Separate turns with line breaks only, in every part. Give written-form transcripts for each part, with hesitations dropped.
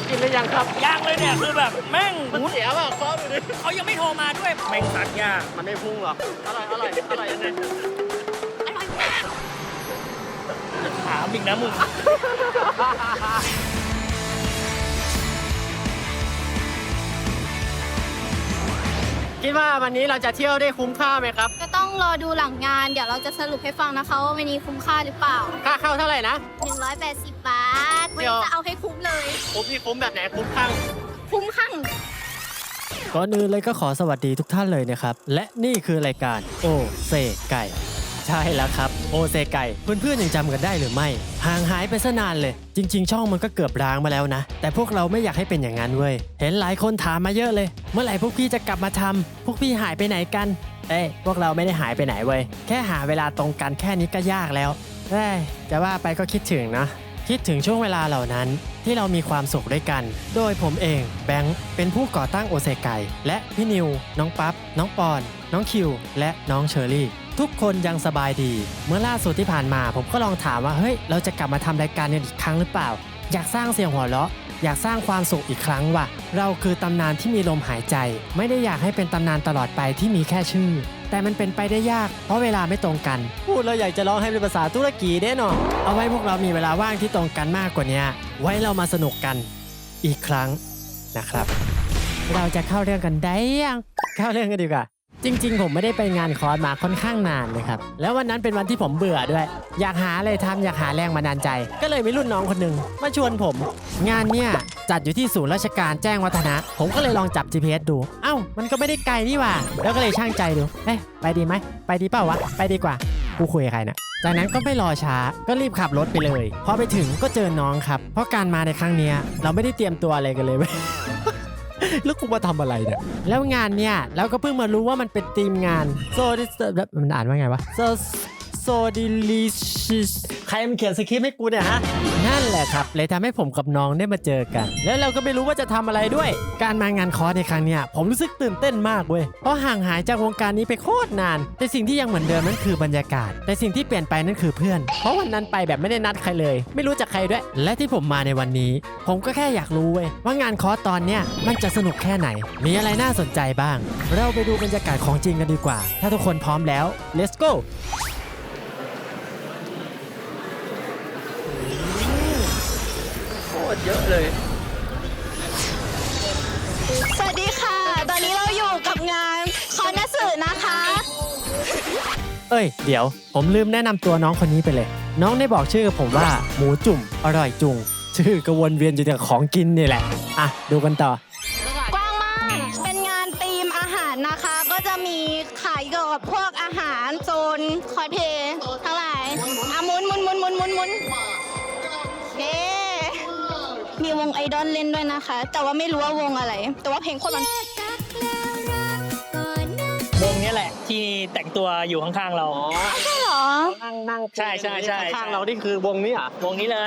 กินหรือยังครับ
ย่างเลยเนี่ยคือแบบแม่ง
มันเสียป่ะคอดูดิ
เขายังไม่โทรมาด้วยแม่งสักยาก
มันไม่พุ่งหรอกอร่อยยังไง
ถามอีกนะมึง
คิดว่าวันนี้เราจะเที่ยวได้คุ้มค่าไหมครับ
ก็ต้องรอดูหลังงาน เดี๋ยวเราจะสรุปให้ฟังนะคะว่าวันนี้คุ้มค่าหรือเปล่า
ค่าเข้าเท่าไหร่นะ
180 บาท
เดี๋ยว
จะเอาให้คุ้มเลย
คุ้มที่คุ้มแบบไหนคุ้มข้าง
คุ้มข้าง
ก่อนอื่นเลยก็ขอสวัสดีทุกท่านเลยนะครับ และนี่คือรายการโอเซไก่ใช่แล้วครับโอเซไก่เพื่อนๆยังจำกันได้หรือไม่ห่างหายไปซะนานเลย จริงๆช่องมันก็เกือบร้างมาแล้วนะ แต่พวกเราไม่อยากให้เป็นอย่างนั้นเว้ยเห็นหลายคนถามมาเยอะเลย เมื่อไหร่พวกพี่จะกลับมาทำพวกพี่หายไปไหนกันพวกเราไม่ได้หายไปไหนเว้ยแค่หาเวลาตรงกันแค่นี้ก็ยากแล้วจะว่าไปก็คิดถึงนะคิดถึงช่วงเวลาเหล่านั้นที่เรามีความสุขด้วยกัน โดยผมเองแบงค์เป็นผู้ก่อตั้งโอเซไก่และพี่นิวน้องปั๊บน้องปอนน้องคิวและน้องเชอรี่ทุกคนยังสบายดี เมื่อล่าสุดที่ผ่านมาผมก็ลองถามว่าเฮ้ยเราจะกลับมาทำรายการกันอีกครั้งหรือเปล่าอยากสร้างเสียงหัวเราะอยากสร้างความสุขอีกครั้งว่ะเราคือตำนานที่มีลมหายใจไม่ได้อยากให้เป็นตำนานตลอดไปที่มีแค่ชื่อแต่มันเป็นไปได้ยากเพราะเวลาไม่ตรงกันพูดเราอยากจะร้องให้เป็นภาษาตุรกีแน่นอนเอาไว้พวกเรามีเวลาว่างที่ตรงกันมากกว่านี้ไว้เรามาสนุกกันอีกครั้งนะครับเราจะเข้าเรื่องกันได้ยังเข้าเรื่องกันดีกว่าจริงๆผมไม่ได้ไปงานคอร์สมาค่อนข้างนานเลยครับแล้ววันนั้นเป็นวันที่ผมเบื่อด้วยอยากหาอะไรทำอยากหาแรงบันดาลใจ ก็เลยมีรุ่นน้องคนหนึ่งมาชวนผมงานเนี่ยจัดอยู่ที่ศูนย์ราชการแจ้งวัฒนะผมก็เลยลองจับ GPS ดูเอ้ามันก็ไม่ได้ไกลนี่หว่าแล้วก็เลยช่างใจดูไปดีไหมไปดีเปล่าวะไปดีกว่ากูคุยกับใครนะจากนั้นก็ไม่รอช้าก็รีบขับรถไปเลยพอไปถึงก็เจอน้องครับเพราะการมาในครั้งนี้เราไม่ได้เตรียมตัวอะไรกันเลยเว้ย แล้วกูมาทำอะไรเนี่ยแล้วงานเนี่ยเราก็เพิ่งมารู้ว่ามันเป็นทีมงานโซดิสมันอ่านว่าไงวะโซดิลิชิสใครมันเขียนสคริปต์ให้กูเนี่ยฮะนั่นแหละครับเลยทำให้ผมกับน้องได้มาเจอกันแล้วเราก็ไม่รู้ว่าจะทำอะไรด้วยการมางานคอร์สในครั้งเนี้ยผมรู้สึกตื่นเต้นมากเว้ยเพราะห่างหายจากวงการนี้ไปโคตรนานแต่สิ่งที่ยังเหมือนเดิมนั่นคือบรรยากาศแต่สิ่งที่เปลี่ยนไปนั่นคือเพื่อนเพราะวันนั้นไปแบบไม่ได้นัดใครเลยไม่รู้จักใครด้วยและที่ผมมาในวันนี้ผมก็แค่อยากรู้เว้ยว่างานคอร์สตอนเนี้ยมันจะสนุกแค่ไหนมีอะไรน่าสนใจบ้างเราไปดูบรรยากาศของจริงกันดีกว่าถ้าทุกคนพร้อมแล้ว let's go
เยอะเลย
สวัสดีค่ะ ตอนนี้เราอยู่กับงานคอนนัสึนะคะ
เดี๋ยวผมลืมแนะนำตัวน้องคนนี้ไปเลยน้องได้บอกชื่อกับผมว่าหมูจุ่มอร่อยจุงชื่อกระวนเวียนอยู่แต่ของกินนี่แหละอ่ะดูกันต่อก
ว้างมาก เป็นงานธีมอาหารนะคะ ก็จะมีขายเกี่ยวกับพวกอาหารโซนคอสเพลย์ทั้งหลายหมุนเฮ้มีวงไอดอลเล่นด้วยนะคะ แต่ว่าไม่รู้ว่าวงอะไร แต่ว่าเพลงโคตรมัน
วงนี้แหละที่แต่งตัวอยู่ข้างๆเรา
ใช่เหรอ
นั่ง
ใช่
ข้างเรานี่คือวงนี้อ่ะ
วงนี้เลย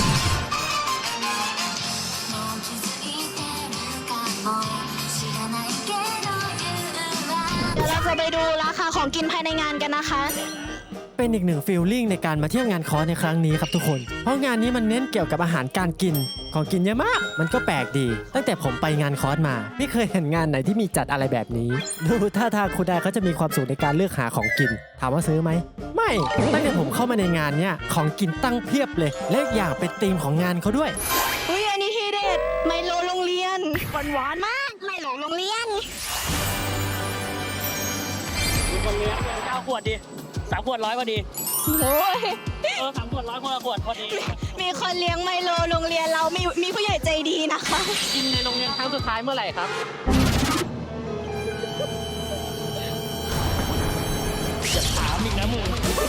เดี๋ยวเราจะไปดูราคาของกินภายในงานกันนะคะ
เป็นอีกหนึ่งฟีลลิ่งในการมาเที่ยวงานคอร์สในครั้งนี้ครับทุกคนเพราะงานนี้มันเน้นเกี่ยวกับอาหารการกินของกินเยอะมากมันก็แปลกดีตั้งแต่ผมไปงานคอร์สมาไม่เคยเห็นงานไหนที่มีจัดอะไรแบบนี้ดูท่าทางคุณได้เขาจะมีความสุขในการเลือกหาของกินถามว่าซื้อไหมไม่ตั้งแต่ผมเข้ามาในงานเนี้ยของกินตั้งเพียบเลยและอีกอย่างเป็นธีมของงานเขาด้วย
อุ้ยอันนี้ทีเด็ดไมโลโรงเรียนหวานมากไมโลโรงเรียน
คนเลี้ยง9 ขวดดิ3 ขวด100พอดี
โอ้ย
3 ขวด100คนละขวดพอดี
มีคนเลี้ยงไมโลโรงเรียนเรามีผู้ใหญ่ใจดีนะคะ
กินในโรงเรียนครั้งสุดท้ายเมื่อไหร่ครับ
ถามอีกนะมึง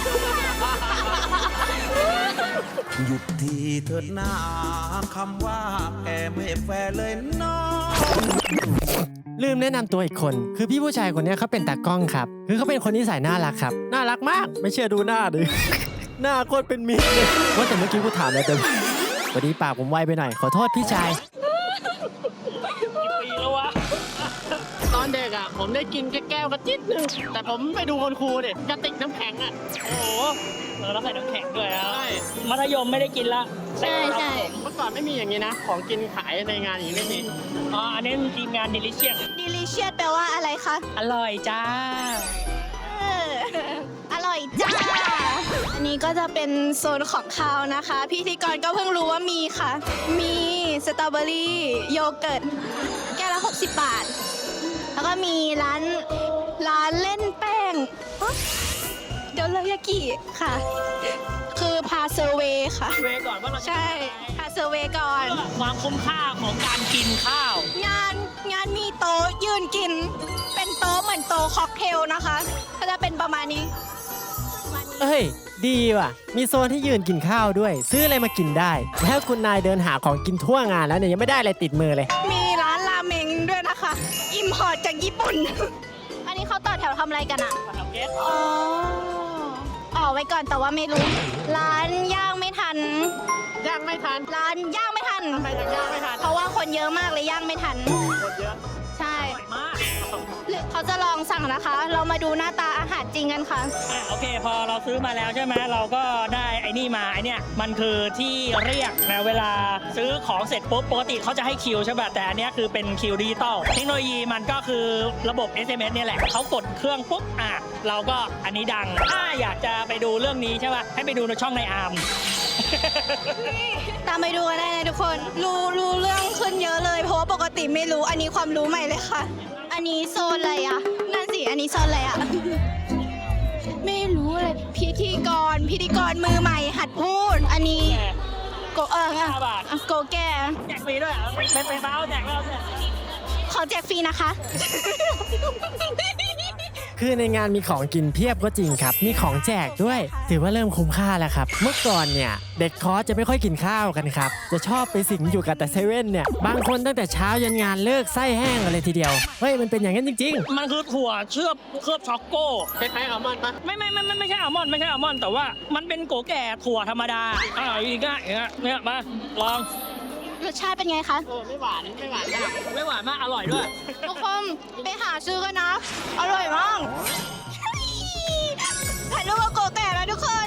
หยุดทีเถิดหน้าคำว่าแกไม่แฟร์เลยน้อง
ลืมแนะนำตัวอีกคนคือพี่ผู้ชายคนนี้เขาเป็นตากล้องครับคือเขาเป็นคนนิสัยน่ารักครับน่ารักมากไม่เชื่อดูหน้าดิ หน้าโคตรเป็นมิตรเลยว่าแต่เมื่อกี้กูถามแล้วเต็มวันนี้ปากผมไวไปหน่อยขอโทษพี่ชาย
กี่ปีแล้ววะ
ตอนเด็กอ่ะผมได้กินแค่แก้วกระจิ๊ดนึงแต่ผมไปดูคุณครูดิกระติกน้ำแข็งอ่ะ
โอ้โหเราใส่น้ำแข็งด้วยนะ
ใช่
มัธยมไม่ได้กินละ
ใช่ใช่
เมื่อก่อนไม่มีอย่างนี้นะ ของกินขายในงานอย่างนี้ไม่มี
อ๋ออันนี้ทีมงานดิลิเชียส
delicious แปลว่าอะไรคะ
อร่อยจ้า
เอออร่อยจ้า อันนี้ก็จะเป็นโซนของคาวนะคะ พิธีกรก็เพิ่งรู้ว่ามีค่ะ มีสตรอเบอรี่โยเกิร์ตแก้วละ60 บาท แล้วก็มีร้านเล่นแป้งอ๊ะเดี๋ยวเลยากิค่ะ คือพาเซอร์เวย์ค่ะ
เวก่อนว่าเราจะ
ใช่ พาเซอร์เวย์ก่อน
เพื่อความคุ้มค่าของการกินข้าว
งานมีโต๊ะยืนกิน เป็นโต๊ะเหมือนโต๊ะค็อกเทลนะคะ ก็จะเป็นประมาณนี้
เอ้ย ดีว่ะ มีโซนที่ยืนกินข้าวด้วย ซื้ออะไรมากินได้ แล้วคุณนายเดินหาของกินทั่วงานแล้วเนี่ยยังไม่ได้อะไรติดมือเลย
มีร้านราเมงด้วยนะคะ อิมพอร์ตจากญี่ปุ่น อันนี้เขาต่อแถวทำอะไรกันอะ
มาทำเกส
อ๋อไว้ก่อนแต่ว่าไม่รู้ ร้านย่างไม่ทัน
ย่างไม่ทัน
ร้านย่างไม่ทัน
ทำไมถึงย่างไม่ทัน
เพราะว่าคนเยอะมากเลยย่างไม่ทัน
คนเยอะ
ใช่
อร่อยมาก
หรือเขาจะลองสั่งนะคะ เรามาดูหน้าตาอาหารจริงกันค่ะ
โอเค พอเราซื้อมาแล้วใช่ไหมเราก็ได้ไอ้นี่มาไอ้เนี่ยมันคือที่เรียกนะเวลาซื้อของเสร็จปุ๊บปกติเขาจะให้คิวใช่ป่ะแต่อันเนี้ยคือเป็นคิวดิจิตอลเทคโนโลยีมันก็คือระบบ SMS เนี่ยแหละเขากดเครื่องปุ๊บเราก็อันนี้ดังถ้าอยากจะไปดูเรื่องนี้ใช่ป่ะให้ไปดูในช่องในอาร์ม
ตามไปดูกันได้นะทุกคน รู้เรื่องขึ้นเยอะเลย เพราะว่าปกติไม่รู้ อันนี้ความรู้ใหม่เลยค่ะ อันนี้โซนอะไรอะนั่นสิ อันนี้โซนอะไรอะไม่รู้เลย พิธีกรมือใหม่หัดพูด อันนี้โก
5 บาท
โกแก่
แจกฟรีด้วยเหรอเป็นเบ้าแจกแล้วเนี่ย
ขอแจกฟรีนะคะ
คือในงานมีของกินเพียบก็จริงครับ มีของแจกด้วย ถือว่าเริ่มคุ้มค่าแล้วครับ เมื่อก่อนเนี่ย เด็กคอร์สจะไม่ค่อยกินข้าวกันครับ จะชอบไปสิงอยู่กับแต่เซเว่นเนี่ย บางคนตั้งแต่เช้ายันงานเลิกไส้แห้งกันเลยทีเดียว เฮ้ย มันเป็นอย่างนั้นจริง
มันคือถั่วเคลือบช็อกโก้
คล้ายๆอัลมอนด์ปะ
ไม่ใช่อัลมอนด์ไม่ใช่อัลมอนด์แต่ว่ามันเป็นโกแก่ถั่วธรรมดาอีกเนี่ยมาลอง
รสชาติเป็นไงคะ
ไม่หวานมาก
ไม่หวานมากอร่อยด้วย
ทุกคนไปหาซื้อกันนะ อร่อยมากถ่ายรูปกับโกแก่แล้วทุกคน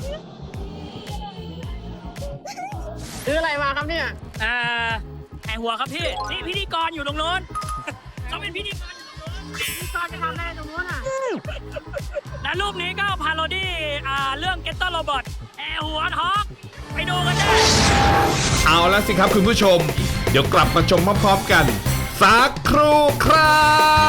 ซื้ออะไรมาครับเนี่ย
ไอหัวครับพี่นี่พิธีกรอยู่ตรงโน้น เขาเป็นพิธีกรอยู่ตรงโน้นพิธีกรจะทำอะไรตรงโน้นและรูปนี้ก็พาโรดี้เรื่อง Getter Robot แอร์หัวทอกไปดูกันได้
เอาละสิครับคุณผู้ชม เดี๋ยวกลับมาชมพร้อมๆกัน สักครู่ครับ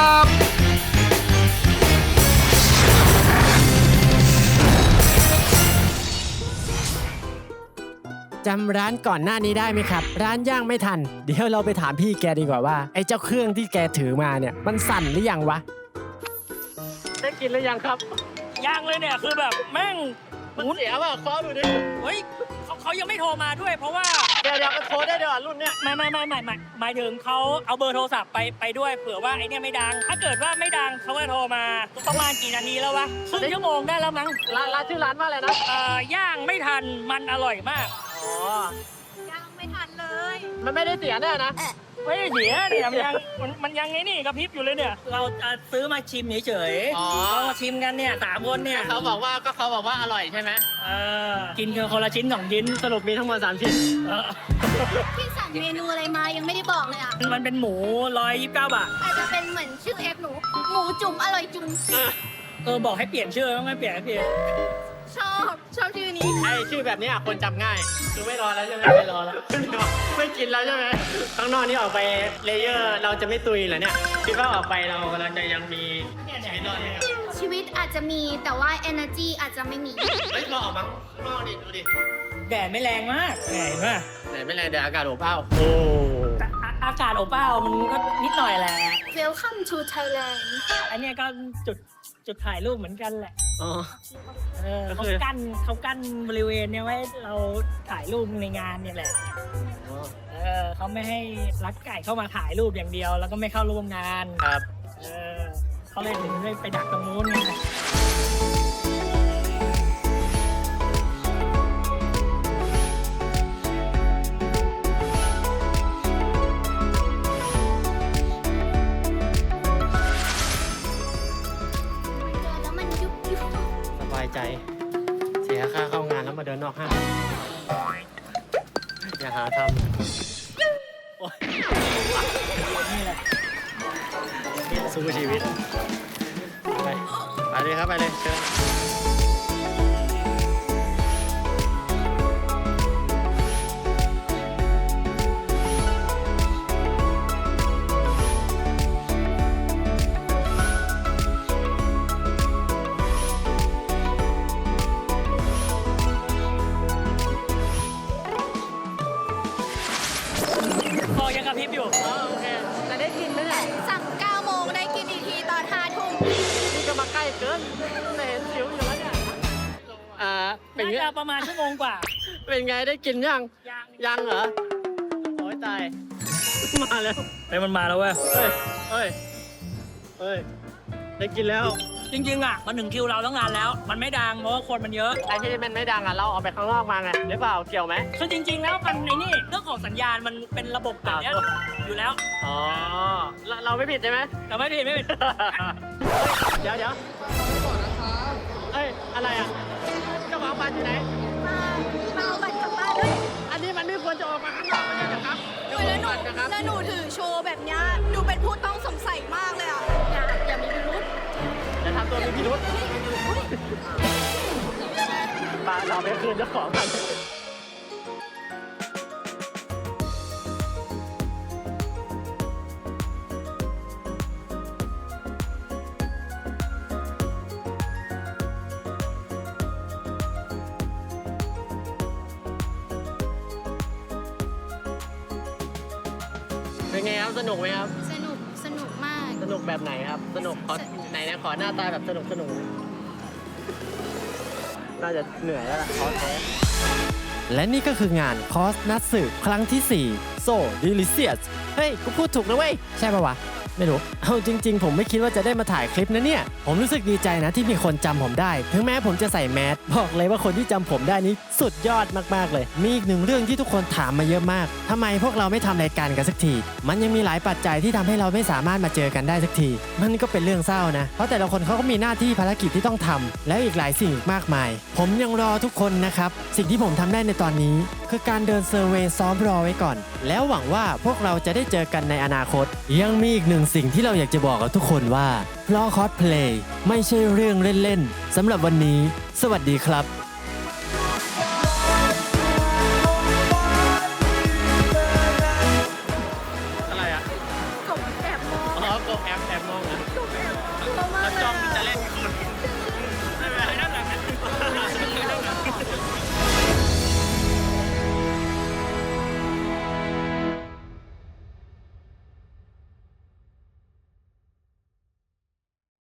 ๆ จำร้านก่อนหน้านี้ได้ไหมครับ ร้านย่างไม่ทัน เดี๋ยวเราไปถามพี่แกดีกว่าว่าไอ้เจ้าเครื่องที่แกถือมาเนี่ยมันสั่นหรือยังวะ
ได้กินหรือยังครับ
ย่างเลยเนี่ยคือแบบแม่ง
มันเสียป่ะเคาะดูดิ
เฮ้ยเขายังไม่โทรมาด้วยเพราะว่า
เดี๋ยวมันโทรได้เดี๋ยวรุ่นเนี้ย
ไม่หมายถึงเขาเอาเบอร์โทรศัพท์ไปด้วยเผื่อว่าไอเนี่ยไม่ดัง ถ้าเกิดว่าไม่ดังเขาก็โทรมาประมาณกี่นาทีแล้ววะครึ่งชั่วโมงได้แล้วมั้ง
ร้านชื่อร้านว่าอะไรนะ
ย่างไม่ทันมันอร่อยมาก
อ๋อ
ยังไม่ทันเลย
มันไม่ได้เสียแน่นะ
ไม่ได้เสียเนี่ยมันยังไงนี่กระพริบอยู่เลยเนี่ย เราจะซื้อมาชิมเฉย
อ๋อ
เรามาชิมกันเนี่ย3 คนเนี่ย
เขาบอกว่าอร่อยใช่ไหม
กินกันคนละชิ้น2 ชิ้น
สรุปมีทั้งหมด3ชิ้น
พี่สั่งเมนูอะไรมายังไม่ได้บอกเลยอ่ะ
มันเป็นหมู129 บาท
อาจจะเป็นเหมือนชื่อเอฟหนู หมูจุ่มอร่อยจุ่ม
บอกให้เปลี่ยนชื่อต้องให้เปลี่ยน
ชอบชื่อนี้
ไอชื่อแบบนี้คนจำง่าย คือไม่รอแล้วใช่ไหมไม่รอแล้ว ไม่กินแล้วใช่ไหมข้างนอกนี่ออกไปเลเยอร์เราจะไม่ตุยเหรอเนี่ยคิดว่าออกไปเราจะยังมีชีวิตรอดไหมครับ
ชีวิตอาจจะมีแต่ว่า energy อาจจะไม่มี
เฮ้ยเราออกมาข้างนอกดิดูดิ
แดดไม่แรงมากเห็นป่ะ
ไหนไม่แรงเดี๋ยวอากาศอบอ้าวโอ้
อากาศอบอ้าวมันก็นิดหน่อยแหละ
Welcome to Thailand
อันเนี้ยก็จุดถ่ายรูปเหมือนกันแหละ
อ๋อ
เขากั้นบริเวณเนี้ยไว้เราถ่ายรูปในงานเนี่ยแหละเขาไม่ให้รักไก่เข้ามาถ่ายรูปอย่างเดียว แล้วก็ไม่เข้าร่วมงาน
ครับ
เขาเลยถึงได้ไปดักตรงนู้นไง
สู้ชีวิตไปเลยครับไปเลยเชิญ
พอยังกระพริบอยู่
โอเคจะได้กินไหมเนี่ย
สั่ง 9 โมงได้กินอีกทีตอน 5 ทุ่ม
นี่ก็มาใกล้เกินแต่เห็นสิวอยู่แล้วเนี่ยเป็น
น่า
ไง
จะประมาณชั่วโมงกว่า
เป็นไงได้กินยัง
ยัง
ยังเหรอโอ้ยตาย มาแล้ว
ไอ้มันมาแล้วเว้ย
เฮ้ยเฮ้ยเฮ้ยได้กินแล้ว
จริงๆอ่ะมันถึงคิวเราตั้งนานแล้ว มันไม่ดังเพราะว่าคนมันเยอะ
ไอ้ที่มันไม่ดังอ่ะเราเอาไปข้างนอกมาไงหรือเปล่าเกี่ยวไหม
คือจริง ๆ แล้วมันในนี่เรื่องของสัญญาณมันเป็นระบบแบบเนี้ยอยู่แล้ว
อ๋อเราไม่ผิดใช่ไหม
แต่ไม่ผิดไม่ผิด
เดี๋ยวเอ้ยอะไรอ่ะเจ้าของบ้านอยู่ไหน
มาเอาบัตรกลับบ้านด้วย
อันนี้มันไม่ควรจะออกมาข้างนอกไม่ใช่เหรอครับเจ้า
โอ้ย
ข
แล้
อ
ว
ง
หนู
บ้านนะครับ
แล้วหนูถือโชว์แบบเนี้ยดูเป็นผู้ต้องสงสัยมากเลยอ่ะ อย่ามีพิรุธ
จะทำตัวมีพิรุษปาเราไปคืนเจ้าของกันเป็นไงครับสนุกไหมครับ
สนุกมาก
สนุกแบบไหนครับ สนุกขอไหนนะขอหน้าตาแบบสนุกน่าจะเหนื่อยแล้วล่ะขอแท้
และนี่ก็คืองานคอสนัตสึครั้งที่ 4 So Delicious เฮ้ย กูพูดถูกนะเว้ย ใช่ปะวะ ไม่รู้ เอาจริง ๆ ผมไม่คิดว่าจะได้มาถ่ายคลิปนะเนี่ย ผมรู้สึกดีใจนะที่มีคนจำผมได้ ถึงแม้ผมจะใส่แมสบอกเลยว่าคนที่จำผมได้นี้สุดยอดมากๆเลย มีอีกหนึ่งเรื่องที่ทุกคนถามมาเยอะมากทำไมพวกเราไม่ทำรายการกันสักที มันยังมีหลายปัจจัยที่ทำให้เราไม่สามารถมาเจอกันได้สักที มันก็เป็นเรื่องเศร้านะ เพราะแต่ละคนเขาก็มีหน้าที่ภารกิจที่ต้องทำแล้วอีกหลายสิ่งอีกมากมาย ผมยังรอทุกคนนะครับ สิ่งที่ผมทำได้ในตอนนี้ คือการเดินเซอร์เวย์ซ้อมรอไว้ก่อน แล้วหวังว่าพวกเราจะได้เจอกันในอนาคต ยังมีอีกหนึ่งสิ่งที่เราอยากจะบอกกับทุกคนว่าเพราะคอสเพลย์ไม่ใช่เรื่องเล่นๆสำหรับวันนี้ สวัสดีครับ